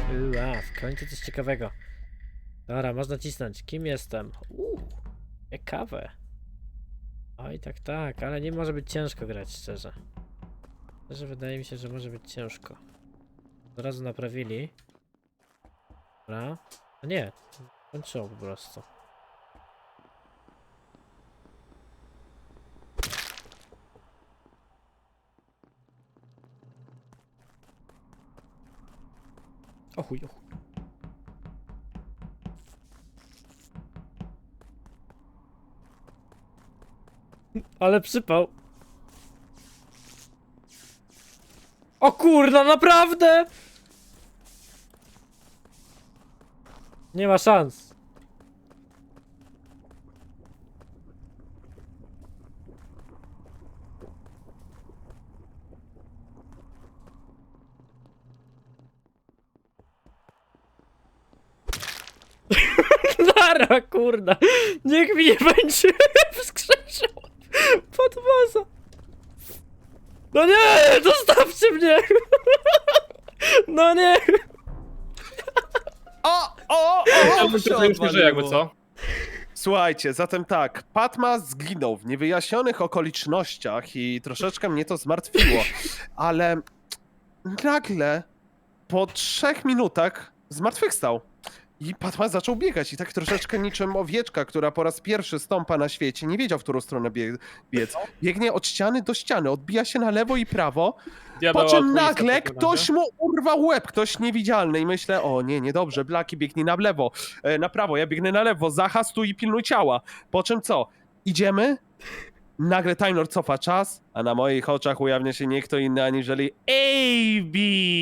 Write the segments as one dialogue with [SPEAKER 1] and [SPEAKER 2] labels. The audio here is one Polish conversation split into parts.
[SPEAKER 1] W końcu coś ciekawego. Dobra, można cisnąć. Kim jestem? Ciekawe. Oj, tak, ale nie może być ciężko grać, szczerze. Szczerze wydaje mi się, że może być ciężko. Od razu naprawili. Dobra. No nie, kończyło po prostu. O chuj. Ale przypał. O kurna, naprawdę! Nie ma szans. Lara, kurna. Niech mi nie będzie wskrzeszał Patmasa. No nie, zostawcie mnie. No nie.
[SPEAKER 2] Już nie żyje jakby co?
[SPEAKER 3] Słuchajcie, zatem tak, Patmas zginął w niewyjaśnionych okolicznościach i troszeczkę mnie to zmartwiło, ale nagle po 3 minutach zmartwychwstał. I Patmas zaczął biegać i tak troszeczkę niczym owieczka, która po raz pierwszy stąpa na świecie, nie wiedział, w którą stronę biec. Biegnie od ściany do ściany, odbija się na lewo i prawo, po czym nagle ktoś mu urwał łeb, ktoś niewidzialny i myślę, o nie, niedobrze, Blaki biegnie na lewo, na prawo, ja biegnę na lewo, Zacha stój i pilnuj ciała. Po czym co? Idziemy? Nagle Time Lord cofa czas, a na moich oczach ujawnia się nie kto inny aniżeli AB!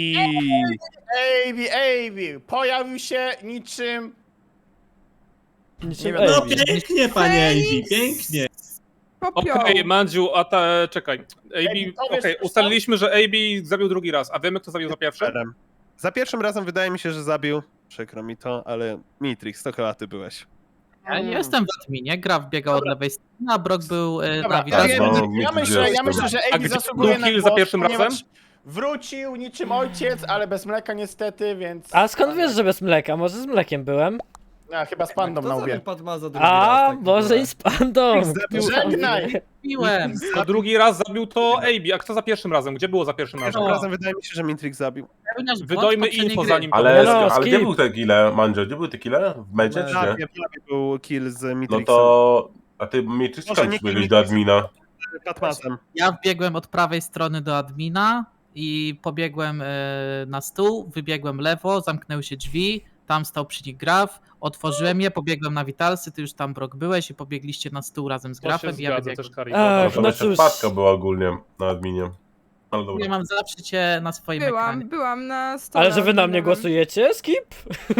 [SPEAKER 4] AB, pojawił się niczym...
[SPEAKER 1] Niczym
[SPEAKER 4] wiadomo.
[SPEAKER 5] No
[SPEAKER 1] Amy.
[SPEAKER 5] pięknie, panie Ivy, pięknie.
[SPEAKER 2] Okej, Mandziu, czekaj.
[SPEAKER 4] powiesz,
[SPEAKER 2] Ustaliliśmy, że AB zabił drugi raz, a wiemy kto zabił za pierwszy?
[SPEAKER 3] Za pierwszym razem wydaje mi się, że zabił, przykro mi to, ale Mitrix, to chyba ty byłeś.
[SPEAKER 6] Ja nie jestem w adminie, Graf biegał od lewej strony, a Brock był
[SPEAKER 4] Dobra,
[SPEAKER 6] na widoku.
[SPEAKER 4] ja myślę, że
[SPEAKER 2] A
[SPEAKER 4] AB
[SPEAKER 2] gdzie
[SPEAKER 4] zasługuje
[SPEAKER 2] był
[SPEAKER 4] na
[SPEAKER 2] kill za
[SPEAKER 4] głos,
[SPEAKER 2] pierwszym
[SPEAKER 4] ponieważ
[SPEAKER 2] razem?
[SPEAKER 4] Wrócił niczym ojciec, ale bez mleka niestety, więc...
[SPEAKER 1] A skąd wiesz, że bez mleka? Może z mlekiem byłem?
[SPEAKER 4] A, chyba z pandą na łbie.
[SPEAKER 1] A, może i z pandą.
[SPEAKER 4] Żegnaj!
[SPEAKER 6] Piłem.
[SPEAKER 2] To drugi raz zabił to AB, a kto za pierwszym razem? Gdzie było za pierwszym razem?
[SPEAKER 3] Pierwszym razem wydaje mi się, że Mitrix zabił.
[SPEAKER 2] Wydojmy info zanim to
[SPEAKER 7] Ale,
[SPEAKER 1] No,
[SPEAKER 7] ale gdzie
[SPEAKER 1] skip.
[SPEAKER 7] był te kille, Mandzio? Gdzie były te kille? W medzie, czy nie?
[SPEAKER 3] W labie był kill z
[SPEAKER 7] No
[SPEAKER 3] Mitrixem.
[SPEAKER 7] to... A ty Matrix
[SPEAKER 3] Może
[SPEAKER 7] skąd
[SPEAKER 3] nie
[SPEAKER 7] biegłeś
[SPEAKER 3] kill
[SPEAKER 7] do admina?
[SPEAKER 3] Patmasem.
[SPEAKER 6] Ja wbiegłem od prawej strony do admina i pobiegłem na stół, wybiegłem lewo, zamknęły się drzwi, tam stał przy nich Graf, otworzyłem je, pobiegłem na Witalsy, ty już tam Brock byłeś i pobiegliście na stół razem z
[SPEAKER 2] To się
[SPEAKER 6] Grafem i ja
[SPEAKER 2] zgadza
[SPEAKER 6] wybiegłem.
[SPEAKER 2] też, Kari.
[SPEAKER 1] Ach,
[SPEAKER 7] To
[SPEAKER 1] no
[SPEAKER 7] jeszcze
[SPEAKER 1] cóż.
[SPEAKER 7] wpadka była ogólnie na adminie. Ale dobra.
[SPEAKER 6] Ja mam zawsze cię na swoim ekranie.
[SPEAKER 8] Byłam na stole.
[SPEAKER 1] Ale że wy na mnie
[SPEAKER 8] adminowym.
[SPEAKER 1] głosujecie? Skip?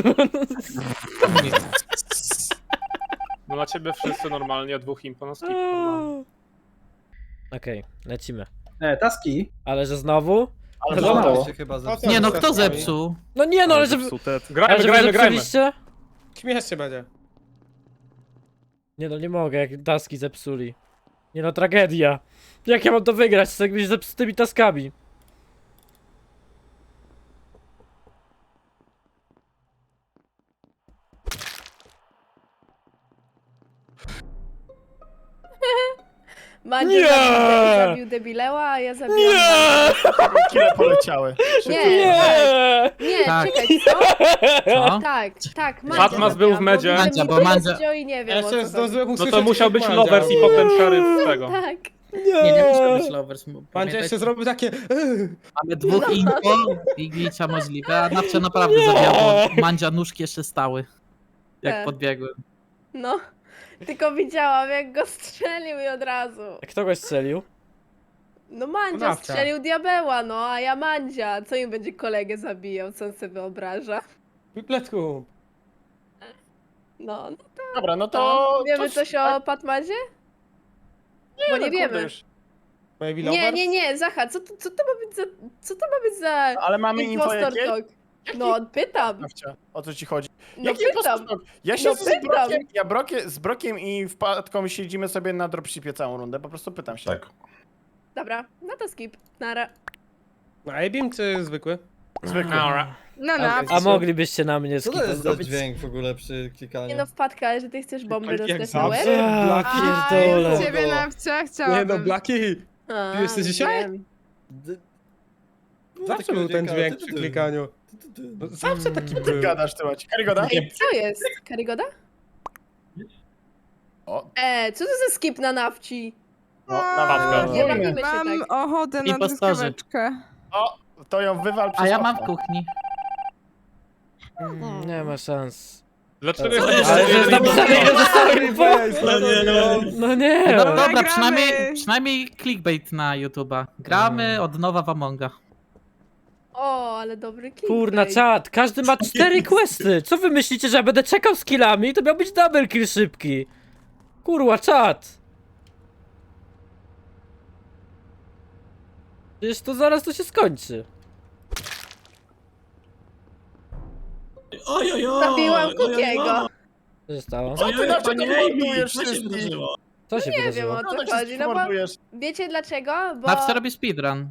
[SPEAKER 2] No na ciebie wszyscy normalnie, a dwóch impo na skip.
[SPEAKER 1] Okej, lecimy.
[SPEAKER 5] Taski.
[SPEAKER 1] Ale że znowu?
[SPEAKER 4] Ale
[SPEAKER 1] Znowu?
[SPEAKER 4] znowu.
[SPEAKER 6] Nie no, kto zepsuł?
[SPEAKER 1] No nie, no ale że...
[SPEAKER 3] Zepsute.
[SPEAKER 1] Ale
[SPEAKER 2] Grajmy,
[SPEAKER 1] że wy
[SPEAKER 2] grajmy.
[SPEAKER 1] zepsuliście?
[SPEAKER 5] Śmiesznie będzie.
[SPEAKER 1] Nie no, nie mogę, jak taski zepsuli. Nie no, tragedia. Jak ja mam to wygrać z jakimiś zepsutymi taskami?
[SPEAKER 8] Mandzio
[SPEAKER 1] Nie!
[SPEAKER 8] zabił debileła, a ja zabiłam...
[SPEAKER 1] Nie!
[SPEAKER 4] Kile poleciały.
[SPEAKER 8] Nie! Nie,
[SPEAKER 6] Tak.
[SPEAKER 8] czekaj, co?
[SPEAKER 6] Co?
[SPEAKER 8] Tak, Mandzia
[SPEAKER 2] Patmas był w
[SPEAKER 8] zabiłam,
[SPEAKER 2] medzie.
[SPEAKER 8] bo
[SPEAKER 6] Mandzia, bo
[SPEAKER 8] Mandzia
[SPEAKER 6] Mandzia-
[SPEAKER 8] wziął i nie wiem, o co chodzi.
[SPEAKER 2] No to musiał być Lovers i potem Sheriff z tego.
[SPEAKER 8] Tak.
[SPEAKER 6] Nie muszę być lovers.
[SPEAKER 5] Mandzia jeszcze zrobił takie...
[SPEAKER 6] Mamy dwóch info i glicia możliwe, a Nawcia naprawdę zabijał, bo Mandzia nóżki jeszcze stały. Jak
[SPEAKER 8] Tak.
[SPEAKER 6] podbiegłem.
[SPEAKER 8] No, tylko widziałam, jak go strzelił i od razu.
[SPEAKER 1] Kto go strzelił?
[SPEAKER 8] No Mandzia
[SPEAKER 5] Nawcia.
[SPEAKER 8] strzelił diabeła, no, a ja Mandzia. Co im będzie kolegę zabijał, co on sobie wyobraża?
[SPEAKER 5] Wypletku.
[SPEAKER 8] No,
[SPEAKER 4] Dobra, no
[SPEAKER 8] to...
[SPEAKER 4] to...
[SPEAKER 8] Wiemy
[SPEAKER 4] to-
[SPEAKER 8] coś o Patmazie? Bo nie
[SPEAKER 4] no,
[SPEAKER 8] wiemy.
[SPEAKER 4] kurde, już.
[SPEAKER 5] Baby
[SPEAKER 8] Nie, Zacha, co to ma być za... Co to ma być za...
[SPEAKER 4] Ale mamy info
[SPEAKER 8] impostor
[SPEAKER 4] jakie?
[SPEAKER 8] talk? No, pytam.
[SPEAKER 4] Nawcia, o co ci chodzi?
[SPEAKER 8] No
[SPEAKER 4] Jaki
[SPEAKER 8] pytam.
[SPEAKER 4] impostor? Ja się
[SPEAKER 8] No
[SPEAKER 4] z
[SPEAKER 8] pytam.
[SPEAKER 4] Brokiem, z Brokiem i Wpadką siedzimy sobie na dropshipie całą rundę, po prostu pytam się.
[SPEAKER 7] Tak.
[SPEAKER 8] Dobra, no to skip. Nara.
[SPEAKER 5] A Abim czy zwykły?
[SPEAKER 4] Zwykły.
[SPEAKER 8] No,
[SPEAKER 1] A moglibyście na mnie
[SPEAKER 9] Co to jest za
[SPEAKER 1] skipować?
[SPEAKER 9] dźwięk w ogóle przy
[SPEAKER 8] Nie
[SPEAKER 9] klikaniu?
[SPEAKER 8] no, wpadka, ale że ty chcesz bomby
[SPEAKER 5] Jak
[SPEAKER 8] dostać na łeb?
[SPEAKER 5] zawsze.
[SPEAKER 1] Ja pierdolę.
[SPEAKER 8] ciebie nawcia chciałabym.
[SPEAKER 5] Nie no, Blaki,
[SPEAKER 8] A,
[SPEAKER 5] ty jesteś dzisiaj?
[SPEAKER 8] wiem.
[SPEAKER 5] zawsze był ten dźwięk przy klikaniu. No, zawsze taki
[SPEAKER 4] Ty
[SPEAKER 5] był.
[SPEAKER 4] gadasz, ty Maciek. Karygoda?
[SPEAKER 8] Ej, co jest? Karygoda?
[SPEAKER 4] O,
[SPEAKER 8] Co to za skip na nawci?
[SPEAKER 4] no, na
[SPEAKER 8] Nie bawimy się
[SPEAKER 10] Mam
[SPEAKER 8] tak.
[SPEAKER 10] ochotę na
[SPEAKER 6] Impostorzy.
[SPEAKER 10] truskaweczkę.
[SPEAKER 4] O, to ją wywal przez
[SPEAKER 6] A ja mam w
[SPEAKER 4] okno.
[SPEAKER 6] kuchni.
[SPEAKER 1] Nie ma szans.
[SPEAKER 2] Dlaczego
[SPEAKER 10] Co
[SPEAKER 2] jest
[SPEAKER 1] Ale że jest napisane, ile zostało info? No nie.
[SPEAKER 6] No dobra,
[SPEAKER 10] Gramy.
[SPEAKER 6] przynajmniej clickbait na YouTube'a. Gramy od nowa w Amonga.
[SPEAKER 8] O, ale dobry klip.
[SPEAKER 1] Kurna, czat, każdy ma 4 questy. Co wy myślicie, że ja będę czekał z killami? To miał być double kill szybki. Kurwa, czat. Przecież to zaraz to się skończy.
[SPEAKER 8] Zabiłam Kukiego.
[SPEAKER 1] Co się stało?
[SPEAKER 4] Co ty dlaczego mordujesz wszystkich?
[SPEAKER 1] Co się
[SPEAKER 8] Nie wiem
[SPEAKER 1] wydarzyło?
[SPEAKER 8] o
[SPEAKER 4] No
[SPEAKER 8] co
[SPEAKER 4] tak
[SPEAKER 8] chodzi,
[SPEAKER 4] wszystkich
[SPEAKER 8] no bo
[SPEAKER 4] mordujesz.
[SPEAKER 8] wiecie dlaczego? Bo
[SPEAKER 6] Nawcia robi speedrun.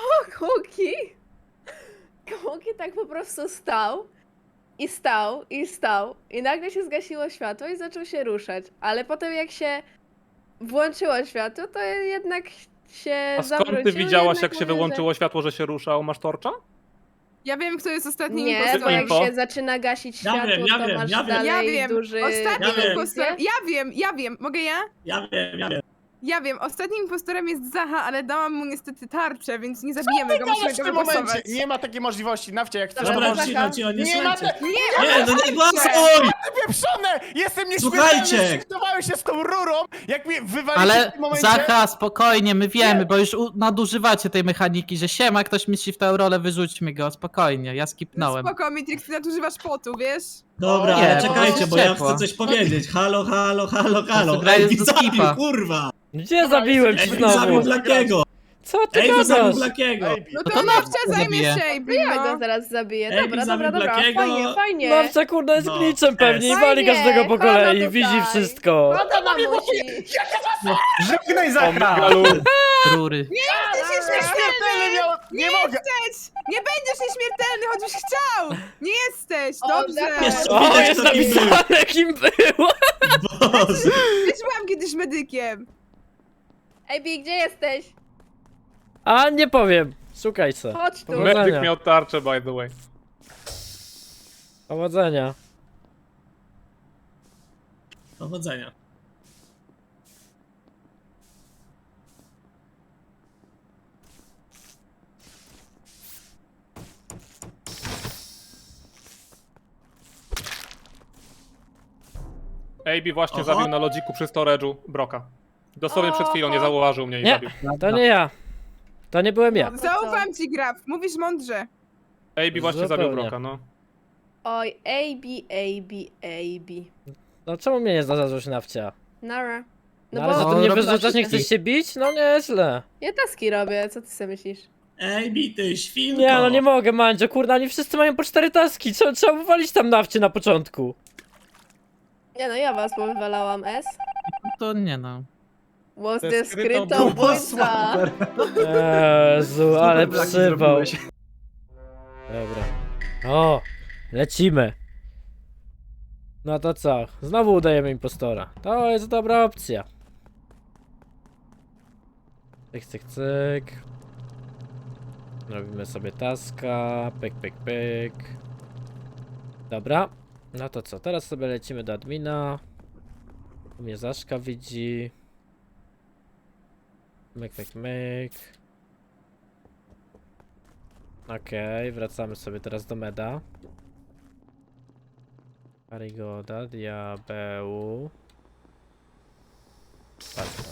[SPEAKER 8] Kuki tak po prostu stał i stał i stał i nagle się zgasiło światło i zaczął się ruszać, ale potem jak się włączyło światło, to jednak się
[SPEAKER 2] A skąd ty
[SPEAKER 8] zawrócił,
[SPEAKER 2] widziałaś,
[SPEAKER 8] jednak
[SPEAKER 2] jak się
[SPEAKER 8] mówię,
[SPEAKER 2] wyłączyło światło, że się ruszał? Masz torcza?
[SPEAKER 10] Ja wiem, kto jest
[SPEAKER 8] że...
[SPEAKER 10] ostatnim
[SPEAKER 8] Nie, bo
[SPEAKER 10] impostorem.
[SPEAKER 8] jak
[SPEAKER 2] info?
[SPEAKER 8] się zaczyna gasić
[SPEAKER 11] Ja
[SPEAKER 8] światło,
[SPEAKER 11] wiem, ja
[SPEAKER 8] to
[SPEAKER 11] wiem,
[SPEAKER 8] masz
[SPEAKER 11] ja wiem.
[SPEAKER 8] dalej
[SPEAKER 10] Ja wiem.
[SPEAKER 8] duży...
[SPEAKER 10] Ostatnim
[SPEAKER 11] Ja wiem.
[SPEAKER 10] impostorem... Ja wiem. Mogę ja?
[SPEAKER 11] Ja wiem.
[SPEAKER 10] Ja wiem. Ostatnim impostorem jest Zaha, ale dałam mu niestety tarczę, więc nie zabijemy go,
[SPEAKER 4] Gadasz
[SPEAKER 10] musimy
[SPEAKER 4] w
[SPEAKER 10] go
[SPEAKER 4] tym momencie.
[SPEAKER 10] wygłosować.
[SPEAKER 4] Nie ma takiej możliwości. Nawcia, jak chcesz, to
[SPEAKER 8] Dobra,
[SPEAKER 11] Dobra,
[SPEAKER 4] możesz...
[SPEAKER 11] cicho, nie
[SPEAKER 4] Nie ma
[SPEAKER 11] słuchajcie.
[SPEAKER 4] te...
[SPEAKER 11] Nie, no nie głosuj!
[SPEAKER 4] Pieprzone! Jestem nieśmiertelny!
[SPEAKER 11] Słuchajcie!
[SPEAKER 4] Zlikwidowałem się z tą rurą, jak mnie wywaliście w
[SPEAKER 6] Ale
[SPEAKER 4] tym momencie...
[SPEAKER 6] Zacha, spokojnie, my wiemy, bo już nadużywacie tej mechaniki, że siema, ktoś myśli w tę rolę, wyrzućmy go, spokojnie, ja skipnąłem.
[SPEAKER 10] Spoko, Mitrix, ty nadużywasz potu, wiesz?
[SPEAKER 11] Dobra,
[SPEAKER 6] Nie,
[SPEAKER 11] ale czekajcie, bo ja
[SPEAKER 6] ciepło.
[SPEAKER 11] chcę coś powiedzieć. Halo.
[SPEAKER 6] gra jest
[SPEAKER 11] Ej,
[SPEAKER 6] do
[SPEAKER 11] zabił,
[SPEAKER 6] skipa.
[SPEAKER 11] kurwa!
[SPEAKER 1] Gdzie zabiłem ci
[SPEAKER 11] Ej, zabił
[SPEAKER 1] znowu?
[SPEAKER 11] Blakiego!
[SPEAKER 1] Co ty
[SPEAKER 11] Ej, zabił
[SPEAKER 1] gadasz?
[SPEAKER 11] Blakiego!
[SPEAKER 4] Ej,
[SPEAKER 10] No
[SPEAKER 6] No
[SPEAKER 10] to
[SPEAKER 6] to
[SPEAKER 10] Nawcia zajmie
[SPEAKER 6] zabiję.
[SPEAKER 10] się,
[SPEAKER 8] Ja go
[SPEAKER 10] no.
[SPEAKER 8] zaraz zabiję.
[SPEAKER 11] Ej,
[SPEAKER 8] Dobra,
[SPEAKER 11] zabił
[SPEAKER 8] dobra.
[SPEAKER 11] Blakiego.
[SPEAKER 8] Fajnie.
[SPEAKER 1] Babcia kurna jest
[SPEAKER 11] No.
[SPEAKER 1] glitchem pewnie i wali
[SPEAKER 8] Fajnie,
[SPEAKER 1] każdego po
[SPEAKER 8] halo
[SPEAKER 1] kolei,
[SPEAKER 8] tutaj.
[SPEAKER 1] widzi wszystko.
[SPEAKER 8] No to mamusi.
[SPEAKER 4] Żegnaj Zacha!
[SPEAKER 6] Rury.
[SPEAKER 10] Jesteś
[SPEAKER 4] Nieśmiertelny miał... Nie mogę!
[SPEAKER 10] Nie będziesz nieśmiertelny, choćbyś chciał! Nie jesteś,
[SPEAKER 8] O,
[SPEAKER 10] dobrze!
[SPEAKER 8] Zacha.
[SPEAKER 11] Jeszcze
[SPEAKER 1] O,
[SPEAKER 11] widać,
[SPEAKER 1] jest
[SPEAKER 11] kto kim był.
[SPEAKER 1] napisane kim było.
[SPEAKER 11] Boże!
[SPEAKER 10] Też byłam kiedyś medykiem.
[SPEAKER 8] Ej, Bi, gdzie jesteś?
[SPEAKER 1] A nie powiem. Szukaj se.
[SPEAKER 8] Chodź tu.
[SPEAKER 1] Powodzenia.
[SPEAKER 2] Medyk miał tarczę, by the way.
[SPEAKER 1] Powodzenia.
[SPEAKER 11] Powodzenia.
[SPEAKER 2] AB właśnie
[SPEAKER 11] Oho.
[SPEAKER 2] zabił na lodziku przy storage'u Broka. Dosłownie przed chwilą, nie zauważył mnie i
[SPEAKER 1] Nie,
[SPEAKER 2] zabił.
[SPEAKER 1] to nie ja. To nie byłem ja.
[SPEAKER 10] Zaufam ci, Graf, mówisz mądrze.
[SPEAKER 2] AB właśnie zabił
[SPEAKER 1] Zupełnie.
[SPEAKER 2] Broka, no.
[SPEAKER 8] Oj, AB.
[SPEAKER 1] No czemu mnie nie znalazłeś nawcia?
[SPEAKER 8] Nara.
[SPEAKER 1] No ale za to
[SPEAKER 6] bo
[SPEAKER 1] mnie
[SPEAKER 6] robisz
[SPEAKER 1] wyrzucasz, nie
[SPEAKER 6] taski.
[SPEAKER 1] chcesz się bić? No nieźle.
[SPEAKER 8] Ja taski robię, co ty sobie myślisz?
[SPEAKER 11] Ej, bity, świnko!
[SPEAKER 1] Nie, no nie mogę, Mandzio, kurna, oni wszyscy mają po 4 taski. Trzeba wywalić tam nawcie na początku.
[SPEAKER 8] Nie no, ja was powywalałam S.
[SPEAKER 6] To nie no.
[SPEAKER 8] Was
[SPEAKER 5] To
[SPEAKER 8] the
[SPEAKER 5] jest skrytą
[SPEAKER 8] skrytobójca.
[SPEAKER 1] Jezu, ale przypał. Dobra. O, lecimy. No to co? Znowu udajemy impostora. To jest dobra opcja. Cyk. Robimy sobie taska. Pyk. Dobra. No to co? Teraz sobie lecimy do admina. Tu mnie Zaszka widzi. Myk. Okej, wracamy sobie teraz do meda. Karygoda, diabeł. Patrz.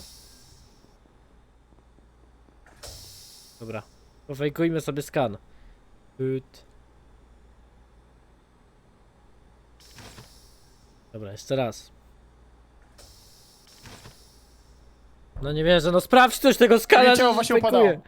[SPEAKER 1] Dobra, pofejkujmy sobie skan. Dobra, jeszcze raz. No nie wierzę, no sprawdź coś tego skana,
[SPEAKER 4] Ciało
[SPEAKER 1] że
[SPEAKER 4] właśnie
[SPEAKER 1] fejkuje.
[SPEAKER 4] upadało.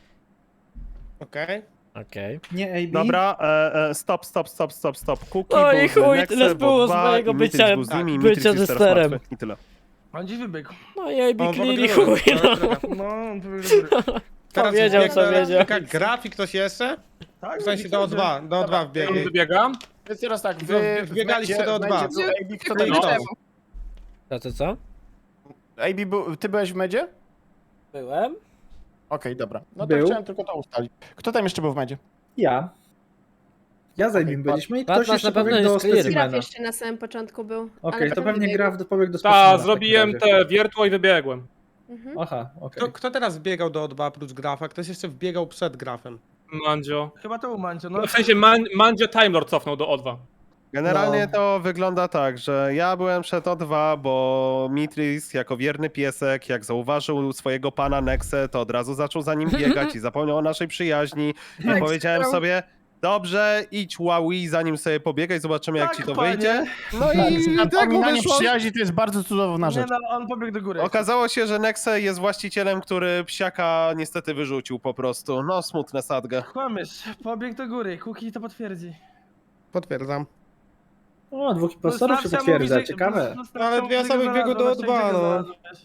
[SPEAKER 5] Okej.
[SPEAKER 1] Okej.
[SPEAKER 3] Dobra, stop. Kuki
[SPEAKER 1] No i
[SPEAKER 3] był z
[SPEAKER 1] chuj,
[SPEAKER 3] Nexem,
[SPEAKER 1] tyle było z
[SPEAKER 3] dwa,
[SPEAKER 1] mojego
[SPEAKER 3] i Mitrix
[SPEAKER 1] bycia-
[SPEAKER 3] był z nimi, i
[SPEAKER 1] bycia
[SPEAKER 3] Mitrix jest teraz
[SPEAKER 1] testerem.
[SPEAKER 3] martwy. I tyle.
[SPEAKER 5] On dziś wybiegł.
[SPEAKER 1] No i AB
[SPEAKER 5] O,
[SPEAKER 1] clearly
[SPEAKER 5] dobra,
[SPEAKER 1] chuj,
[SPEAKER 5] dobra,
[SPEAKER 1] no.
[SPEAKER 5] dobra. No, on wybiegł do góry.
[SPEAKER 1] Powiedział, co
[SPEAKER 5] wbiega
[SPEAKER 1] wiedział.
[SPEAKER 5] Grafik ktoś jeszcze?
[SPEAKER 4] Tak,
[SPEAKER 5] W sensie do O2, do O2 wbiegł.
[SPEAKER 2] Wybiegam.
[SPEAKER 4] Więc teraz tak,
[SPEAKER 5] No,
[SPEAKER 4] wy
[SPEAKER 5] wbiegaliście do O2.
[SPEAKER 4] AB, kto
[SPEAKER 5] No i
[SPEAKER 4] tam
[SPEAKER 5] kto?
[SPEAKER 4] jest?
[SPEAKER 1] Co?
[SPEAKER 4] AB, ty byłeś w medzie?
[SPEAKER 1] Byłem.
[SPEAKER 4] Okej, dobra. No to
[SPEAKER 9] Był.
[SPEAKER 4] chciałem tylko to ustalić. Kto tam jeszcze był w medzie?
[SPEAKER 9] Ja. Ja z Aimim byliśmy i ktoś
[SPEAKER 1] Batman
[SPEAKER 9] jeszcze
[SPEAKER 1] na pewno
[SPEAKER 9] pobiegł do
[SPEAKER 1] jest clear.
[SPEAKER 8] Graf
[SPEAKER 9] specimena.
[SPEAKER 8] jeszcze na samym początku był.
[SPEAKER 9] Okej,
[SPEAKER 8] ale
[SPEAKER 9] to
[SPEAKER 8] potem
[SPEAKER 9] pewnie
[SPEAKER 8] wybiegł.
[SPEAKER 9] Graf pobiegł do specimena.
[SPEAKER 2] Ta, zrobiłem te wiertło i wybiegłem.
[SPEAKER 8] Mhm.
[SPEAKER 9] Aha, okej.
[SPEAKER 5] Kto teraz wbiegał do O2 oprócz Grafa? Ktoś jeszcze wbiegał przed Grafem.
[SPEAKER 2] Mandzio.
[SPEAKER 9] Chyba to był Mancio,
[SPEAKER 2] No, w sensie Mandzio Time Lord cofnął do O2.
[SPEAKER 3] Generalnie to wygląda tak, że ja byłem przed O2, bo Mitris jako wierny piesek, jak zauważył swojego pana Nexę, to od razu zaczął za nim biegać i zapomniał o naszej przyjaźni. I
[SPEAKER 10] Tak,
[SPEAKER 3] powiedziałem
[SPEAKER 10] chciał.
[SPEAKER 3] sobie, dobrze, idź Huawei, zanim sobie pobiegaj, zobaczymy jak ci to wyjdzie. No i tak mu
[SPEAKER 4] Napominanie
[SPEAKER 3] wyszło.
[SPEAKER 4] przyjaźni to jest bardzo cudowna rzecz.
[SPEAKER 9] on pobiegł do góry.
[SPEAKER 3] Okazało się, że Nexe jest właścicielem, który psiaka niestety wyrzucił po prostu. No, smutne sadgę.
[SPEAKER 9] Kłamiesz, pobiegł do góry, Kuki to potwierdzi.
[SPEAKER 5] Potwierdzam.
[SPEAKER 9] O, dwóch impostorów się potwierdza, ciekawe.
[SPEAKER 5] Ale dwie osoby wbiegły do O2, no.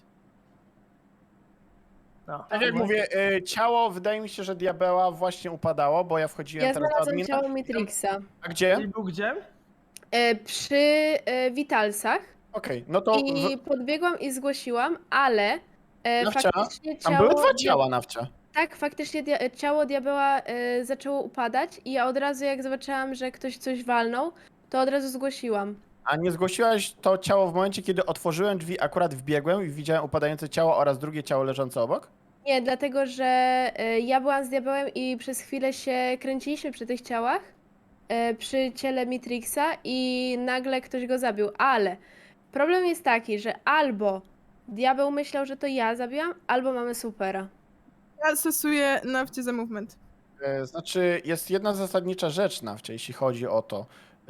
[SPEAKER 4] Tak jak mówię, ciało wydaje mi się, że diabeła właśnie upadało, bo ja wchodziłem
[SPEAKER 8] Ja
[SPEAKER 4] teraz do
[SPEAKER 8] znalazłem
[SPEAKER 4] admina.
[SPEAKER 8] ciało Matrixa.
[SPEAKER 4] A gdzie?
[SPEAKER 9] był gdzie?
[SPEAKER 8] Przy Witalsach
[SPEAKER 4] Okej, no to
[SPEAKER 8] i podbiegłam i zgłosiłam, ale
[SPEAKER 4] Nawcia?
[SPEAKER 8] faktycznie
[SPEAKER 4] tam
[SPEAKER 8] ciało...
[SPEAKER 4] były dwa ciała nawcia.
[SPEAKER 8] Tak, faktycznie ciało diabeła zaczęło upadać i ja od razu jak zobaczyłam, że ktoś coś walnął, to od razu zgłosiłam.
[SPEAKER 4] A nie zgłosiłaś to ciało w momencie, kiedy otworzyłem drzwi, akurat wbiegłem i widziałem upadające ciało oraz drugie ciało leżące obok?
[SPEAKER 8] Nie, dlatego że ja byłam z diabełem i przez chwilę się kręciliśmy przy tych ciałach, przy ciele Matrixa i nagle ktoś go zabił, ale problem jest taki, że albo diabeł myślał, że to ja zabiłam, albo mamy supera.
[SPEAKER 10] Ja stosuję nawcie za movement.
[SPEAKER 4] Znaczy, jest jedna zasadnicza rzecz nawcie, jeśli chodzi o to.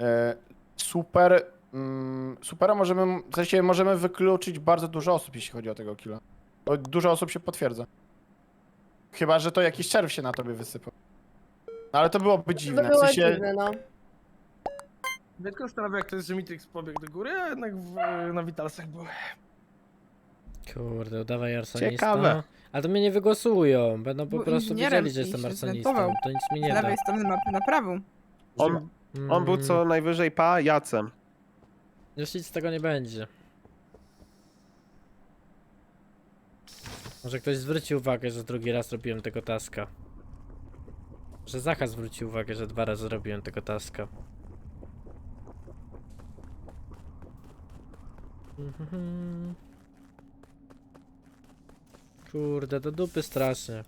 [SPEAKER 4] Supera możemy, w sensie możemy wykluczyć bardzo dużo osób, jeśli chodzi o tego killa. Bo dużo osób się potwierdza. Chyba, że to jakiś czerw się na tobie wysypał. No, ale to byłoby dziwne.
[SPEAKER 8] To
[SPEAKER 4] W
[SPEAKER 8] było
[SPEAKER 4] sensie,
[SPEAKER 8] dziwne, no.
[SPEAKER 9] Mnie tylko zastanawia, jak to jest, że Mitrix pobiegł do góry, a jednak na Witalsach był.
[SPEAKER 1] Kurde, udawaj arsonista.
[SPEAKER 3] Ciekawe.
[SPEAKER 1] Ale to mnie nie wygłosują. Będą po
[SPEAKER 10] Był
[SPEAKER 1] prostu
[SPEAKER 10] inżynierem
[SPEAKER 1] wiedzieli, że
[SPEAKER 10] i
[SPEAKER 1] jestem
[SPEAKER 10] się
[SPEAKER 1] arsonistą.
[SPEAKER 10] zwentował.
[SPEAKER 1] To nic mi
[SPEAKER 10] Z
[SPEAKER 1] nie da.
[SPEAKER 10] lewej strony mapy na prawą.
[SPEAKER 3] On był co najwyżej pajacem.
[SPEAKER 1] Już nic z tego nie będzie. Może ktoś zwróci uwagę, że drugi raz robiłem tego taska. Że Zacha zwróci uwagę, że 2 razy robiłem tego taska. Kurde, do dupy strasznie.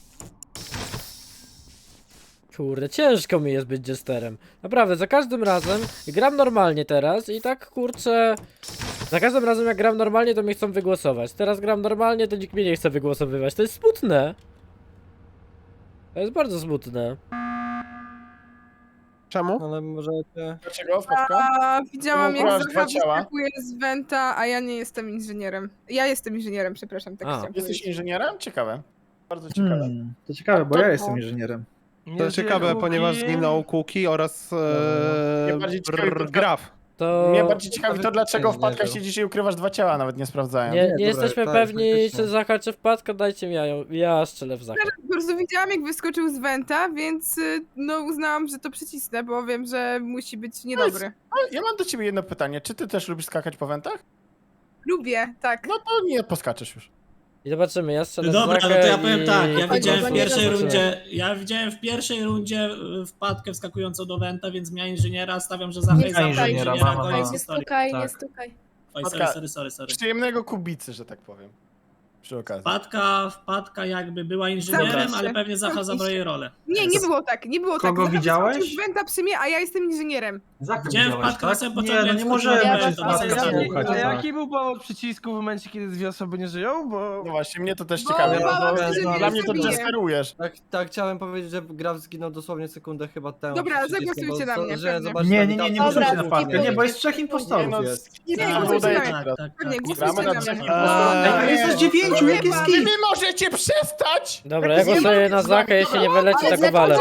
[SPEAKER 1] Kurde, ciężko mi jest być jesterem. Naprawdę, za każdym razem gram normalnie teraz i tak kurczę... Za każdym razem jak gram normalnie, to mnie chcą wygłosować. Teraz gram normalnie, to nikt mnie nie chce wygłosowywać. To jest smutne. To jest bardzo smutne.
[SPEAKER 3] Czemu?
[SPEAKER 5] Ale możecie...
[SPEAKER 4] dlaczego wpadka?
[SPEAKER 10] A widziałam, jak
[SPEAKER 4] Ukradłaś
[SPEAKER 10] Zacha
[SPEAKER 4] dwa ciała.
[SPEAKER 10] wyskakuje z Venta, a ja nie jestem inżynierem. Ja jestem inżynierem, przepraszam, tak
[SPEAKER 1] A.
[SPEAKER 10] chciałam
[SPEAKER 4] Jesteś
[SPEAKER 10] powiedzieć.
[SPEAKER 4] inżynierem? Ciekawe. Bardzo ciekawe.
[SPEAKER 9] To ciekawe, bo
[SPEAKER 4] To-
[SPEAKER 9] ja jestem inżynierem.
[SPEAKER 3] To ciekawe, ponieważ zginął Kuki oraz
[SPEAKER 4] Mnie bardziej ciekawi to-
[SPEAKER 3] Graf.
[SPEAKER 1] To...
[SPEAKER 4] Mnie bardziej ciekawi to, dlaczego
[SPEAKER 1] nie
[SPEAKER 4] wpadka
[SPEAKER 1] żył.
[SPEAKER 4] siedzisz i ukrywasz dwa ciała, nawet nie sprawdzałem.
[SPEAKER 1] Nie,
[SPEAKER 9] Nie,
[SPEAKER 1] nie
[SPEAKER 9] dobra,
[SPEAKER 1] jesteśmy
[SPEAKER 9] tak,
[SPEAKER 1] pewni,
[SPEAKER 9] faktycznie.
[SPEAKER 1] czy Zacha, czy wpadka, dajcie mi jajo. Ja strzelę w Zacha.
[SPEAKER 10] Po prostu widziałam, jak wyskoczył z Venta, więc no uznałam, że to przycisnę, bo wiem, że musi być niedobry.
[SPEAKER 4] Ale ja mam do ciebie jedno pytanie. Czy ty też lubisz skakać po wentach?
[SPEAKER 10] Lubię, tak.
[SPEAKER 4] No to nie poskaczesz już.
[SPEAKER 1] I zobaczymy, ja strzelę w
[SPEAKER 11] Dobra,
[SPEAKER 1] Zachę
[SPEAKER 11] no to ja
[SPEAKER 1] i...
[SPEAKER 11] powiem tak, ja
[SPEAKER 8] Chodź,
[SPEAKER 11] widziałem
[SPEAKER 8] bo
[SPEAKER 11] w
[SPEAKER 8] nie
[SPEAKER 11] pierwszej
[SPEAKER 8] zobaczymy.
[SPEAKER 11] rundzie, wpadkę wskakującą do Wenta, więc miałem inżyniera, stawiam, że Zacha
[SPEAKER 8] Nie
[SPEAKER 11] jest zawsze
[SPEAKER 8] stukaj,
[SPEAKER 11] inżyniera,
[SPEAKER 8] nie
[SPEAKER 11] koniec
[SPEAKER 8] stukaj, nie
[SPEAKER 11] historii.
[SPEAKER 8] stukaj, nie
[SPEAKER 9] Tak.
[SPEAKER 8] stukaj.
[SPEAKER 11] Oj, sorry.
[SPEAKER 4] Przyjemnego kubicy, że tak powiem. Przy okazji.
[SPEAKER 11] Wpadka jakby była inżynierem,
[SPEAKER 10] Zamknij
[SPEAKER 11] ale
[SPEAKER 10] się.
[SPEAKER 11] pewnie Zacha
[SPEAKER 10] Zamknij
[SPEAKER 11] zabrał
[SPEAKER 10] się.
[SPEAKER 11] jej rolę.
[SPEAKER 10] Nie było tak, nie było
[SPEAKER 9] Kogo
[SPEAKER 10] tak. Zacha
[SPEAKER 9] widziałeś?
[SPEAKER 10] wyskoczył z Venta przy mnie, a ja jestem inżynierem.
[SPEAKER 11] Widziałem wpadkę na samym początku,
[SPEAKER 9] Nie, no
[SPEAKER 11] jak
[SPEAKER 9] nie może
[SPEAKER 11] wskoczyła
[SPEAKER 8] być
[SPEAKER 11] Wenta,
[SPEAKER 8] tak.
[SPEAKER 11] to
[SPEAKER 8] Ja-
[SPEAKER 11] zaskoczyło.
[SPEAKER 9] A jaki był powód przycisku w momencie, kiedy dwie osoby nie żyją? Bo...
[SPEAKER 4] No właśnie, mnie to też
[SPEAKER 10] Bo
[SPEAKER 4] ciekawe.
[SPEAKER 10] bałam się, że
[SPEAKER 4] Dla
[SPEAKER 10] mnie
[SPEAKER 4] mnie to
[SPEAKER 10] zabije.
[SPEAKER 4] jesterujesz.
[SPEAKER 5] Tak, chciałem powiedzieć, że Graf zginął dosłownie sekundę chyba temu.
[SPEAKER 10] Dobra,
[SPEAKER 5] przy przycisku,
[SPEAKER 10] zagłosujcie
[SPEAKER 5] bo
[SPEAKER 10] na mnie,
[SPEAKER 5] że
[SPEAKER 10] pewnie.
[SPEAKER 5] zobaczcie,
[SPEAKER 9] Nie,
[SPEAKER 5] tam
[SPEAKER 9] nie, nie, nie
[SPEAKER 5] tam-
[SPEAKER 8] Dobra,
[SPEAKER 9] głosujcie na wpadkę,
[SPEAKER 8] skipuj.
[SPEAKER 9] nie, bo jest 3 impostorów
[SPEAKER 4] no,
[SPEAKER 9] jest.
[SPEAKER 10] Nie,
[SPEAKER 4] Tak,
[SPEAKER 10] głosujcie
[SPEAKER 4] udaje
[SPEAKER 10] na
[SPEAKER 4] się
[SPEAKER 10] mnie.
[SPEAKER 4] teraz.
[SPEAKER 10] Pewnie,
[SPEAKER 4] Gramy
[SPEAKER 10] głosujcie
[SPEAKER 4] na
[SPEAKER 10] na mnie.
[SPEAKER 4] brzegu.
[SPEAKER 9] Ej, ale jest aż 9, jak jest
[SPEAKER 4] Wy
[SPEAKER 9] git!
[SPEAKER 4] możecie przestać!
[SPEAKER 1] Dobra, ja głosuję na Zachę, jeśli nie wyleci, to go walę.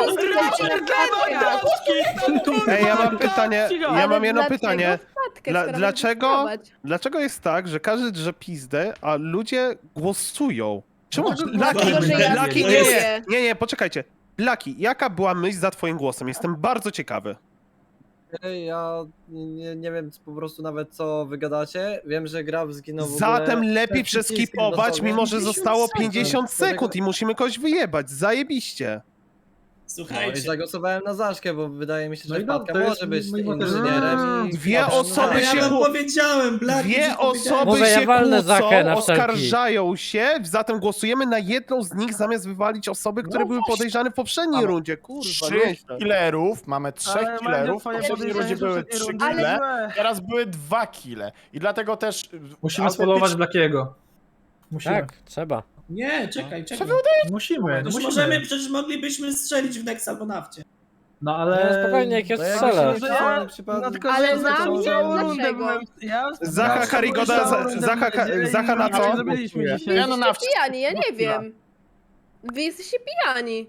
[SPEAKER 3] Ej, ja mam pytanie, ja
[SPEAKER 8] Ale
[SPEAKER 3] mam jedno
[SPEAKER 8] dlaczego
[SPEAKER 3] pytanie.
[SPEAKER 8] wpadkę,
[SPEAKER 3] Dla-
[SPEAKER 8] skoro
[SPEAKER 3] dlaczego-
[SPEAKER 8] będziesz próbować?
[SPEAKER 3] Dlaczego jest tak, że każdy drze pizdę, a ludzie głosują? Czemu?
[SPEAKER 8] Dlatego, że ja
[SPEAKER 3] Laki,
[SPEAKER 8] zgłosuję.
[SPEAKER 3] nie, poczekajcie. Laki, jaka była myśl za twoim głosem? Jestem bardzo ciekawy.
[SPEAKER 5] Ja nie wiem po prostu nawet co wy gadacie. Wiem, że Graf zginął w ogóle
[SPEAKER 3] Zatem lepiej
[SPEAKER 5] przed przyciskiem
[SPEAKER 3] przeskipować,
[SPEAKER 5] dosłownie.
[SPEAKER 3] mimo że
[SPEAKER 5] 50
[SPEAKER 3] zostało
[SPEAKER 5] sekund.
[SPEAKER 3] 50 sekund i musimy kogoś wyjebać. Zajebiście.
[SPEAKER 5] No i
[SPEAKER 11] Słuchajcie,
[SPEAKER 5] zagłosowałem na Zaszkę, bo wydaje mi się, że
[SPEAKER 9] No i no,
[SPEAKER 5] Wpadka
[SPEAKER 9] to jest
[SPEAKER 5] może być
[SPEAKER 9] mój motyw.
[SPEAKER 5] inżynierem i...
[SPEAKER 3] Dwie osoby
[SPEAKER 11] ale
[SPEAKER 3] się
[SPEAKER 11] ja wam
[SPEAKER 3] ku-
[SPEAKER 11] powiedziałem, Blaki,
[SPEAKER 3] Dwie
[SPEAKER 11] ci powiedziałem.
[SPEAKER 3] osoby
[SPEAKER 1] Mówię, ja
[SPEAKER 3] się
[SPEAKER 1] walnę Zachę na
[SPEAKER 3] kłócą,
[SPEAKER 1] wszelki.
[SPEAKER 3] oskarżają się, zatem głosujemy na jedną z nich, zamiast wywalić osoby, które
[SPEAKER 4] No
[SPEAKER 3] były
[SPEAKER 4] właśnie.
[SPEAKER 3] podejrzane w poprzedniej
[SPEAKER 4] Mamy
[SPEAKER 3] rundzie. Kurwa,
[SPEAKER 4] 3
[SPEAKER 3] nieźle.
[SPEAKER 4] killerów, mamy 3
[SPEAKER 9] Ale Mandzio,
[SPEAKER 4] killerów, w
[SPEAKER 9] twoje
[SPEAKER 4] poprzedniej rundzie
[SPEAKER 9] podejrzenie
[SPEAKER 4] były
[SPEAKER 9] z
[SPEAKER 4] 3
[SPEAKER 9] rundy
[SPEAKER 4] kille,
[SPEAKER 9] złe.
[SPEAKER 4] teraz były 2 kille. I dlatego też...
[SPEAKER 9] Musimy
[SPEAKER 4] autentycznie-
[SPEAKER 9] spolować Blackiego. Musimy.
[SPEAKER 1] Tak, trzeba.
[SPEAKER 11] Nie, czekaj.
[SPEAKER 9] Musimy.
[SPEAKER 11] Przecież moglibyśmy strzelić w Nex albo nafcie.
[SPEAKER 9] No
[SPEAKER 1] Ale spokojnie, jak ja
[SPEAKER 5] No jak
[SPEAKER 1] strzelę.
[SPEAKER 5] się
[SPEAKER 9] Że ja-
[SPEAKER 5] przypadek-
[SPEAKER 9] No tylko,
[SPEAKER 8] Ale
[SPEAKER 9] że
[SPEAKER 8] na
[SPEAKER 9] całą
[SPEAKER 8] mnie?
[SPEAKER 9] rundę
[SPEAKER 8] Dlaczego?
[SPEAKER 9] byłem... Ja
[SPEAKER 3] Zacha Karigoda, Zacha na co?
[SPEAKER 9] Zrobiliśmy dzisiaj.
[SPEAKER 4] Ja no na
[SPEAKER 8] Jesteście pijani, ja nie wiem. Wy jesteście pijani.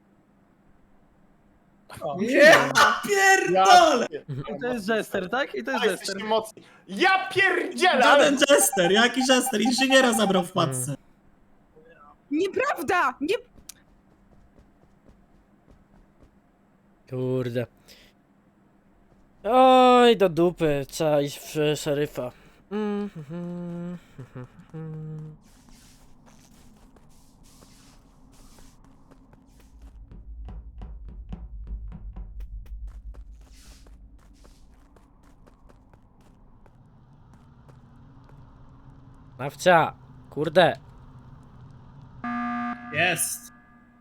[SPEAKER 11] Nie, pierdolę!
[SPEAKER 9] I to jest Jester, tak? I to jest Jester.
[SPEAKER 4] Jesteście mocni. Ja pierdzielę! ale-
[SPEAKER 11] Żaden Jester, jaki Jester? Inżyniera zabrał w matce.
[SPEAKER 10] Nieprawda! Nie...
[SPEAKER 1] Kurde. Oj, do dupy, trzeba iść w szeryfa. Nawcia, kurde.
[SPEAKER 11] Jest.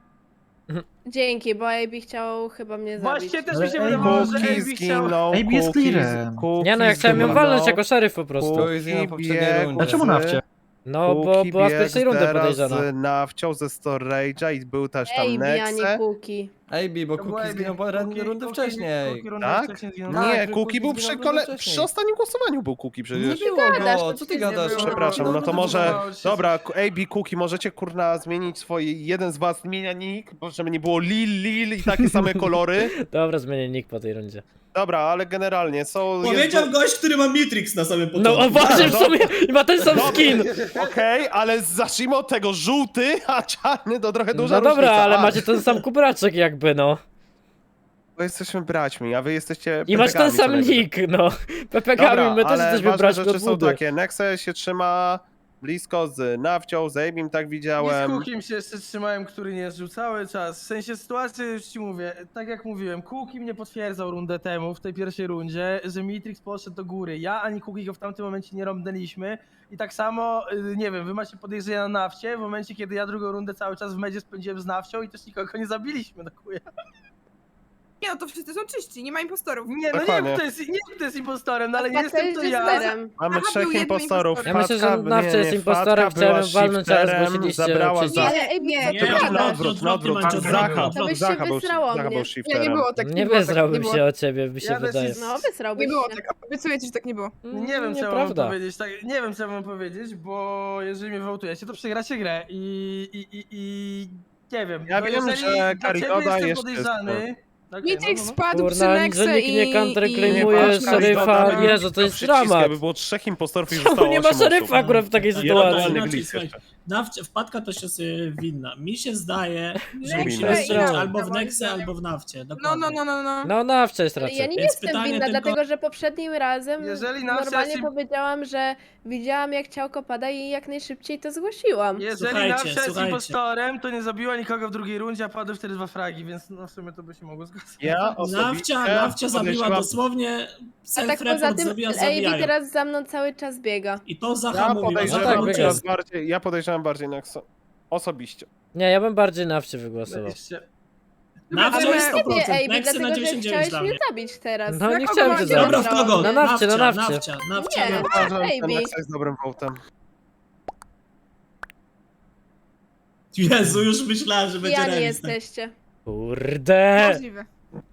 [SPEAKER 8] Dzięki, bo AB chciał chyba mnie zabić.
[SPEAKER 9] Właśnie też mi się wydawało, że
[SPEAKER 3] Kuki
[SPEAKER 9] AB chciał...
[SPEAKER 3] zginął,
[SPEAKER 6] AB jest
[SPEAKER 3] Kuki
[SPEAKER 6] clearem.
[SPEAKER 3] Kuki
[SPEAKER 1] Nie no, ja chciałem ją
[SPEAKER 3] zginął.
[SPEAKER 1] walnąć jako szeryf po prostu.
[SPEAKER 5] To jest na poprzedniej
[SPEAKER 3] biegł
[SPEAKER 5] rundzie.
[SPEAKER 9] Dlaczego nafcie?
[SPEAKER 1] No, bo
[SPEAKER 3] Kuki
[SPEAKER 1] była z
[SPEAKER 3] biegł
[SPEAKER 1] pierwszej rundy
[SPEAKER 3] teraz
[SPEAKER 1] podejrzana.
[SPEAKER 3] z Nawcią ze Storage'a i był też tam
[SPEAKER 8] AB, a nie
[SPEAKER 3] Nexe.
[SPEAKER 8] Kuki.
[SPEAKER 5] AB, bo
[SPEAKER 9] To był
[SPEAKER 5] Kuki
[SPEAKER 9] AB.
[SPEAKER 5] zginął rundę wcześniej.
[SPEAKER 9] Kuki rundę
[SPEAKER 3] Tak?
[SPEAKER 9] wcześniej zginął.
[SPEAKER 3] Nie,
[SPEAKER 5] Tak,
[SPEAKER 3] Kuki był
[SPEAKER 5] zginął
[SPEAKER 3] przy,
[SPEAKER 5] rundę wcześniej.
[SPEAKER 3] przy ostatnim głosowaniu był Kuki
[SPEAKER 5] Nie
[SPEAKER 3] przecież.
[SPEAKER 5] było
[SPEAKER 8] gadasz,
[SPEAKER 5] go,
[SPEAKER 8] to
[SPEAKER 5] co ty
[SPEAKER 8] nic nie
[SPEAKER 5] gadasz?
[SPEAKER 8] było.
[SPEAKER 3] Przepraszam, no to może...
[SPEAKER 9] wydawało się,
[SPEAKER 3] Dobra, AB, Kuki, możecie kurna zmienić swoje... Jeden z was zmienia nick, bo żeby nie było Lil i takie same kolory.
[SPEAKER 1] Dobra, zmienię nick po tej rundzie.
[SPEAKER 3] Dobra, ale generalnie są...
[SPEAKER 11] Powiedział gość, który ma Matrix na samym
[SPEAKER 1] No,
[SPEAKER 11] początku.
[SPEAKER 1] o właśnie, w
[SPEAKER 3] no.
[SPEAKER 1] sumie i ma ten sam skin.
[SPEAKER 3] Okej, ale zacznijmy od tego, żółty, a czarny to trochę duża
[SPEAKER 1] No dobra,
[SPEAKER 3] różnica.
[SPEAKER 1] ale
[SPEAKER 3] A,
[SPEAKER 1] macie ten sam kubraczek jakby, no.
[SPEAKER 3] Bo jesteśmy braćmi, a wy jesteście
[SPEAKER 1] I masz ten
[SPEAKER 3] pepegami co
[SPEAKER 1] sam
[SPEAKER 3] najwyżej.
[SPEAKER 1] nick, no. Pepegami, my też
[SPEAKER 3] ale
[SPEAKER 1] jesteśmy
[SPEAKER 3] ważne
[SPEAKER 1] braćmi
[SPEAKER 3] rzeczy
[SPEAKER 1] od
[SPEAKER 3] są
[SPEAKER 1] budy.
[SPEAKER 3] takie, Nexe się trzyma blisko z Nawcią, z Abim, tak
[SPEAKER 9] Nie z
[SPEAKER 3] widziałem.
[SPEAKER 9] Kukim się jeszcze trzymałem, który nie żył cały czas. W sensie sytuacji już ci mówię, tak jak mówiłem, Kuki mnie potwierdzał rundę temu, w tej pierwszej rundzie, że Matrix poszedł do góry. Ja ani Kuki go w tamtym momencie nie rąbnęliśmy. I tak samo, nie wiem, wy macie podejrzenia na Nawcie, w momencie kiedy ja drugą rundę cały czas w medzie spędziłem z Nawcią i też nikogo nie zabiliśmy, no chuja.
[SPEAKER 10] Nie no, to wszyscy są czyści, nie ma impostorów.
[SPEAKER 9] Nie, no nie
[SPEAKER 3] Dokładnie.
[SPEAKER 9] wiem, kto jest impostorem, no ale nie
[SPEAKER 8] Wpadka
[SPEAKER 9] jestem
[SPEAKER 8] jest
[SPEAKER 9] to ja.
[SPEAKER 8] Jesterem.
[SPEAKER 3] Mamy
[SPEAKER 10] Aha,
[SPEAKER 3] trzech
[SPEAKER 10] był jeden
[SPEAKER 3] impostorów.
[SPEAKER 10] impostor.
[SPEAKER 1] Ja myślę, że
[SPEAKER 3] Wpadka-
[SPEAKER 1] Nawcia jest
[SPEAKER 3] nie,
[SPEAKER 1] impostorem,
[SPEAKER 3] Wpadka była
[SPEAKER 1] chciałem walnąć, ale
[SPEAKER 3] shifterem,
[SPEAKER 1] zgłosiliście
[SPEAKER 3] zabrała
[SPEAKER 1] przycisk.
[SPEAKER 3] za...
[SPEAKER 8] Ale AB,
[SPEAKER 11] Nie,
[SPEAKER 8] co ty
[SPEAKER 11] na
[SPEAKER 8] gadasz?
[SPEAKER 11] odwrót,
[SPEAKER 3] na odwrót.
[SPEAKER 11] Mandzio,
[SPEAKER 3] Zacha,
[SPEAKER 8] To byś się
[SPEAKER 3] Zacha był
[SPEAKER 8] wysrało
[SPEAKER 3] Zacha
[SPEAKER 8] mnie.
[SPEAKER 3] był
[SPEAKER 10] Nie,
[SPEAKER 3] shifterem.
[SPEAKER 10] nie było tak,
[SPEAKER 1] Nie
[SPEAKER 10] było tak,
[SPEAKER 1] wyzrałbym
[SPEAKER 10] nie było.
[SPEAKER 1] się o ciebie, mi się
[SPEAKER 9] Ja też
[SPEAKER 1] wydaje.
[SPEAKER 9] jest-
[SPEAKER 8] No, wysrałbyś
[SPEAKER 10] Nie było
[SPEAKER 8] się.
[SPEAKER 10] tak, obiecuję ci, że tak nie było.
[SPEAKER 9] Nie wiem, co ja mam
[SPEAKER 1] Nieprawda.
[SPEAKER 9] powiedzieć, tak, nie wiem, co ja mam powiedzieć, bo jeżeli mnie wołtujecie, to przegracie grę i nie wiem.
[SPEAKER 3] Ja
[SPEAKER 9] no
[SPEAKER 3] wiem,
[SPEAKER 9] jeżeli
[SPEAKER 3] że
[SPEAKER 9] dla
[SPEAKER 3] Karigoda
[SPEAKER 9] ciebie jestem
[SPEAKER 3] jest
[SPEAKER 9] podejrzany. Okay,
[SPEAKER 10] Matrix spadł przy
[SPEAKER 1] Kurna,
[SPEAKER 10] Nexe
[SPEAKER 1] że nikt nie
[SPEAKER 10] i...
[SPEAKER 1] counterclaimuje
[SPEAKER 3] patrz,
[SPEAKER 1] szeryfa,
[SPEAKER 3] Karigoda
[SPEAKER 1] Jezu, to jest
[SPEAKER 3] przycisk,
[SPEAKER 1] dramat.
[SPEAKER 3] Jakby było trzech impostorów i
[SPEAKER 1] Czemu
[SPEAKER 3] zostało
[SPEAKER 1] nie ma
[SPEAKER 3] 8
[SPEAKER 1] szeryfa
[SPEAKER 3] osób.
[SPEAKER 1] akurat w takiej
[SPEAKER 3] Ja
[SPEAKER 1] sytuacji?
[SPEAKER 3] totalny
[SPEAKER 11] Inaczej,
[SPEAKER 3] glitch
[SPEAKER 11] słuchaj,
[SPEAKER 3] jeszcze.
[SPEAKER 11] Wpadka to się jest winna. Mi się zdaje, że
[SPEAKER 10] Nexe
[SPEAKER 11] musimy
[SPEAKER 1] i
[SPEAKER 11] strzelić
[SPEAKER 1] Nawcia.
[SPEAKER 11] albo w
[SPEAKER 10] Moim
[SPEAKER 11] Nexie,
[SPEAKER 10] zdaniem.
[SPEAKER 11] albo w Nafcie.
[SPEAKER 10] No,
[SPEAKER 11] Dokładnie.
[SPEAKER 10] no.
[SPEAKER 1] No, Nawcia jest
[SPEAKER 8] Ale ja
[SPEAKER 1] raczej.
[SPEAKER 8] nie
[SPEAKER 11] Więc
[SPEAKER 8] jestem
[SPEAKER 11] pytanie
[SPEAKER 8] winna,
[SPEAKER 11] tylko-
[SPEAKER 8] dlatego że poprzednim razem
[SPEAKER 9] Jeżeli Nawcia
[SPEAKER 8] normalnie
[SPEAKER 9] jest-
[SPEAKER 8] powiedziałam, że widziałam jak ciałko pada i jak najszybciej to zgłosiłam.
[SPEAKER 9] Jeżeli
[SPEAKER 11] Słuchajcie,
[SPEAKER 9] Nawcia jest
[SPEAKER 11] słuchajcie.
[SPEAKER 9] impostorem, to nie zabiła nikogo w drugiej rundzie, a padły wtedy 2 fragi, więc no w sumie to by się mogło zgadzać.
[SPEAKER 3] Ja osobiście
[SPEAKER 11] Nawcia zabiła
[SPEAKER 3] podejrzewam-
[SPEAKER 11] dosłownie
[SPEAKER 8] A tak poza
[SPEAKER 11] self-report
[SPEAKER 8] tym
[SPEAKER 11] zrobiła
[SPEAKER 8] AB
[SPEAKER 11] zabijając.
[SPEAKER 8] teraz za mną cały czas biega.
[SPEAKER 11] I to Zacha
[SPEAKER 3] Ja
[SPEAKER 11] mówiła, że
[SPEAKER 3] podejrzewam,
[SPEAKER 1] tak,
[SPEAKER 11] to
[SPEAKER 1] wygra.
[SPEAKER 3] ja podejrzewam bardziej na osobiście.
[SPEAKER 1] Nie, ja bym bardziej Nawcie wygłosował.
[SPEAKER 9] Jeszcze-
[SPEAKER 11] Nawcia
[SPEAKER 8] Ale
[SPEAKER 11] jest
[SPEAKER 8] nie
[SPEAKER 11] 100%,
[SPEAKER 8] AB,
[SPEAKER 11] Nexy
[SPEAKER 8] dlatego
[SPEAKER 11] na
[SPEAKER 8] że
[SPEAKER 11] 99
[SPEAKER 8] chciałeś
[SPEAKER 11] dla
[SPEAKER 8] mnie
[SPEAKER 11] mnie.
[SPEAKER 8] zabić teraz.
[SPEAKER 1] No,
[SPEAKER 10] Na
[SPEAKER 1] nie
[SPEAKER 10] kogo
[SPEAKER 1] chciałem cię
[SPEAKER 10] macie
[SPEAKER 1] zabić.
[SPEAKER 11] Dobra, w kogo?
[SPEAKER 1] Na Nawcie, na Nawcie.
[SPEAKER 11] Nawcia.
[SPEAKER 8] Nie.
[SPEAKER 3] Uważam, że
[SPEAKER 8] AB.
[SPEAKER 3] Nexa jest dobrym votem.
[SPEAKER 11] Jezu, już myślałem, że będzie
[SPEAKER 8] Pijani
[SPEAKER 11] remis. tak.
[SPEAKER 8] jesteście.
[SPEAKER 1] Kurde.
[SPEAKER 10] Możliwe.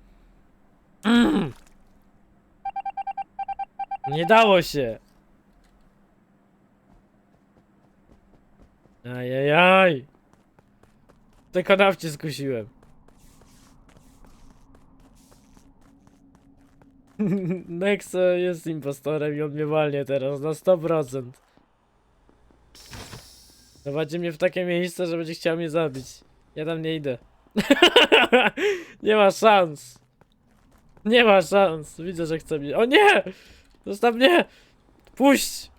[SPEAKER 1] Nie dało się. Ajajaj. Tylko Nawcie skusiłem. Nexe jest impostorem i on mnie walnie teraz na 100%. Prowadzi mnie w takie miejsce, że będzie chciał mnie zabić. Ja tam nie idę. Nie ma szans. Nie ma szans. Widzę, że chce mnie. O nie! Zostaw mnie! Puść!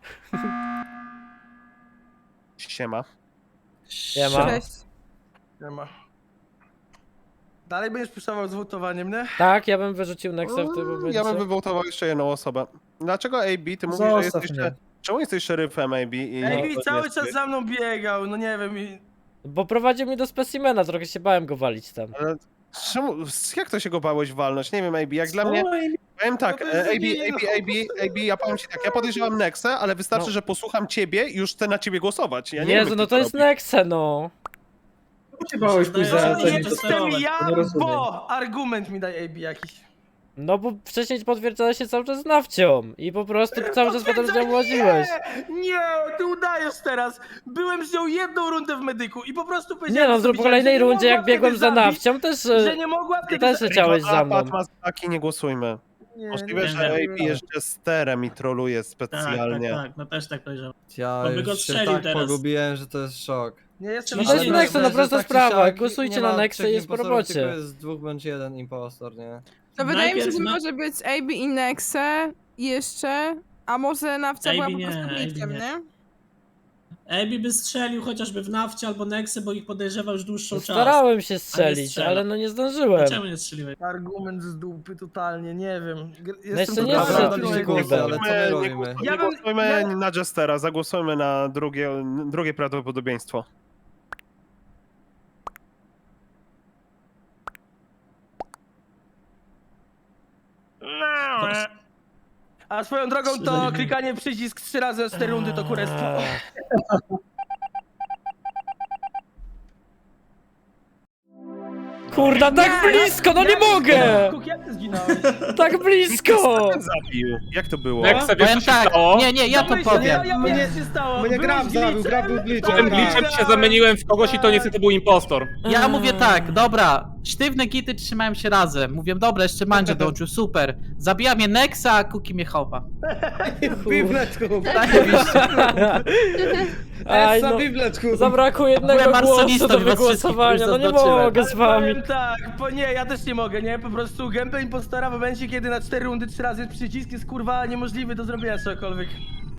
[SPEAKER 3] Siema.
[SPEAKER 1] Siema.
[SPEAKER 10] Cześć.
[SPEAKER 9] Nie ma. Dalej będziesz puszował z wołtowaniem, nie?
[SPEAKER 1] Tak, ja bym wyrzucił Nexę w tym momencie.
[SPEAKER 3] Ja bym wywołtował jeszcze jedną osobę. Dlaczego AB? Ty mówisz, że jesteś... Czemu jesteś szeryfem AB? I...
[SPEAKER 9] Ej,
[SPEAKER 3] No,
[SPEAKER 9] cały
[SPEAKER 3] jest-
[SPEAKER 9] czas za mną biegał, no nie wiem. I...
[SPEAKER 1] Bo prowadził mnie do specimena, trochę się bałem go walić tam.
[SPEAKER 3] Ale czemu, jak to się go bałeś walnąć? Nie wiem, AB, jak dla mnie... Powiem tak,
[SPEAKER 9] No to jest
[SPEAKER 3] AB, ja powiem ci tak, ja podejrzewam Nexę, ale wystarczy,
[SPEAKER 1] No.
[SPEAKER 3] że posłucham ciebie i już chcę na ciebie głosować. Ja nie
[SPEAKER 1] Jezu,
[SPEAKER 3] wiem,
[SPEAKER 1] no
[SPEAKER 3] kto
[SPEAKER 1] to jest
[SPEAKER 3] robi.
[SPEAKER 1] Nexe, no.
[SPEAKER 9] Jestem ja, bo argument mi daj AB jakiś.
[SPEAKER 1] No bo wcześniej potwierdzałeś się cały czas nawcią i po prostu cały czas potem z nią łaziłeś.
[SPEAKER 9] Nie, ty udajesz teraz. Byłem z nią jedną rundę w medyku i po prostu
[SPEAKER 1] Nie
[SPEAKER 9] powiedziałem
[SPEAKER 1] no,
[SPEAKER 9] sobie,
[SPEAKER 1] po kolejnej
[SPEAKER 9] że nie
[SPEAKER 1] rundzie jak
[SPEAKER 9] mogła
[SPEAKER 1] biegłem
[SPEAKER 9] wtedy
[SPEAKER 1] za
[SPEAKER 9] zabić,
[SPEAKER 1] nawcią też...
[SPEAKER 9] że nie mogła
[SPEAKER 1] Ty
[SPEAKER 9] wtedy
[SPEAKER 1] też leciałeś za mną.
[SPEAKER 3] Patmas, taki nie głosujmy. Możliwe, że AB jest jesterem i troluje specjalnie.
[SPEAKER 11] Tak, no też tak powiedziałem.
[SPEAKER 5] Ja
[SPEAKER 11] Bo by go
[SPEAKER 5] już się
[SPEAKER 11] strzelił
[SPEAKER 5] tak
[SPEAKER 11] teraz.
[SPEAKER 5] pogubiłem, że to jest szok.
[SPEAKER 9] Nie jestem
[SPEAKER 1] No to jest
[SPEAKER 11] Ale
[SPEAKER 1] Nexe, no
[SPEAKER 5] myślę,
[SPEAKER 1] prosta
[SPEAKER 5] że tak czy
[SPEAKER 1] sprawa.
[SPEAKER 5] siak
[SPEAKER 1] Głosujcie
[SPEAKER 5] nie
[SPEAKER 1] na
[SPEAKER 5] ma
[SPEAKER 1] Nexe
[SPEAKER 5] trzech
[SPEAKER 1] i jest po
[SPEAKER 5] impostorów, tylko
[SPEAKER 1] robocie.
[SPEAKER 5] jest 2 bądź 1 impostor, nie?
[SPEAKER 10] To wydaje mi się,
[SPEAKER 11] Najpierw
[SPEAKER 10] że
[SPEAKER 11] na-
[SPEAKER 10] może być AB i Nexe jeszcze, a może Nawcia była
[SPEAKER 11] AB
[SPEAKER 10] po
[SPEAKER 11] nie,
[SPEAKER 10] prostu
[SPEAKER 11] AB
[SPEAKER 10] glitchem,
[SPEAKER 11] nie.
[SPEAKER 10] nie?
[SPEAKER 11] Ebi by strzelił chociażby w Nafcie albo Nexy, bo ich podejrzewał już dłuższą czas.
[SPEAKER 1] Starałem się strzelić,
[SPEAKER 11] strzela.
[SPEAKER 1] ale no nie zdążyłem.
[SPEAKER 11] Czemu nie strzeliłeś?
[SPEAKER 9] Argument z dupy totalnie, nie wiem.
[SPEAKER 1] jeszcze
[SPEAKER 9] tu
[SPEAKER 1] nie
[SPEAKER 9] naprawdę
[SPEAKER 1] zszedł,
[SPEAKER 9] tylko
[SPEAKER 1] kurde.
[SPEAKER 9] jeden.
[SPEAKER 5] Ale co my robimy?
[SPEAKER 9] Ja
[SPEAKER 3] Nie
[SPEAKER 9] bym-
[SPEAKER 3] głosujmy
[SPEAKER 9] ja-
[SPEAKER 3] na Jestera, zagłosujmy na drugie prawdopodobieństwo.
[SPEAKER 9] A swoją drogą to
[SPEAKER 11] Strzelali.
[SPEAKER 9] klikanie przycisk 3 razy 4 rundy to kurestwo.
[SPEAKER 1] Kurda, tak blisko, no nie mogę!
[SPEAKER 9] Kuk, jak ty zginąłeś?
[SPEAKER 1] Tak blisko!
[SPEAKER 3] Zabił. Jak to było?
[SPEAKER 2] Nexe, wiesz co
[SPEAKER 6] Powiem
[SPEAKER 2] się
[SPEAKER 6] tak,
[SPEAKER 2] stało?
[SPEAKER 6] nie, ja to powiem.
[SPEAKER 9] Ja mnie się stało.
[SPEAKER 4] mnie Graf zabił, Graf był glitchem.
[SPEAKER 2] Tym glitchem się zamieniłem w kogoś i to niestety był impostor.
[SPEAKER 6] Ja mówię tak, dobra, sztywne gity trzymają się razem. Mówię, dobra, jeszcze Mandzio dołączył, super. Zabija mnie Nexa, a Kuki mnie chowa. Zajebiście.
[SPEAKER 1] Aj, no, zabrakło jednego
[SPEAKER 6] Byłem
[SPEAKER 1] głosu
[SPEAKER 6] arsonistą
[SPEAKER 1] do
[SPEAKER 6] i was
[SPEAKER 1] wygłosowania, no
[SPEAKER 6] wszystkich
[SPEAKER 1] nie
[SPEAKER 6] już zaznaczyłem.
[SPEAKER 1] mogę z wami.
[SPEAKER 9] Powiem tak, nie, ja też nie mogę, nie? Po prostu gameplay impostora w momencie, kiedy na 4 rundy 3 razy przycisk jest kurwa niemożliwy do zrobienia czegokolwiek.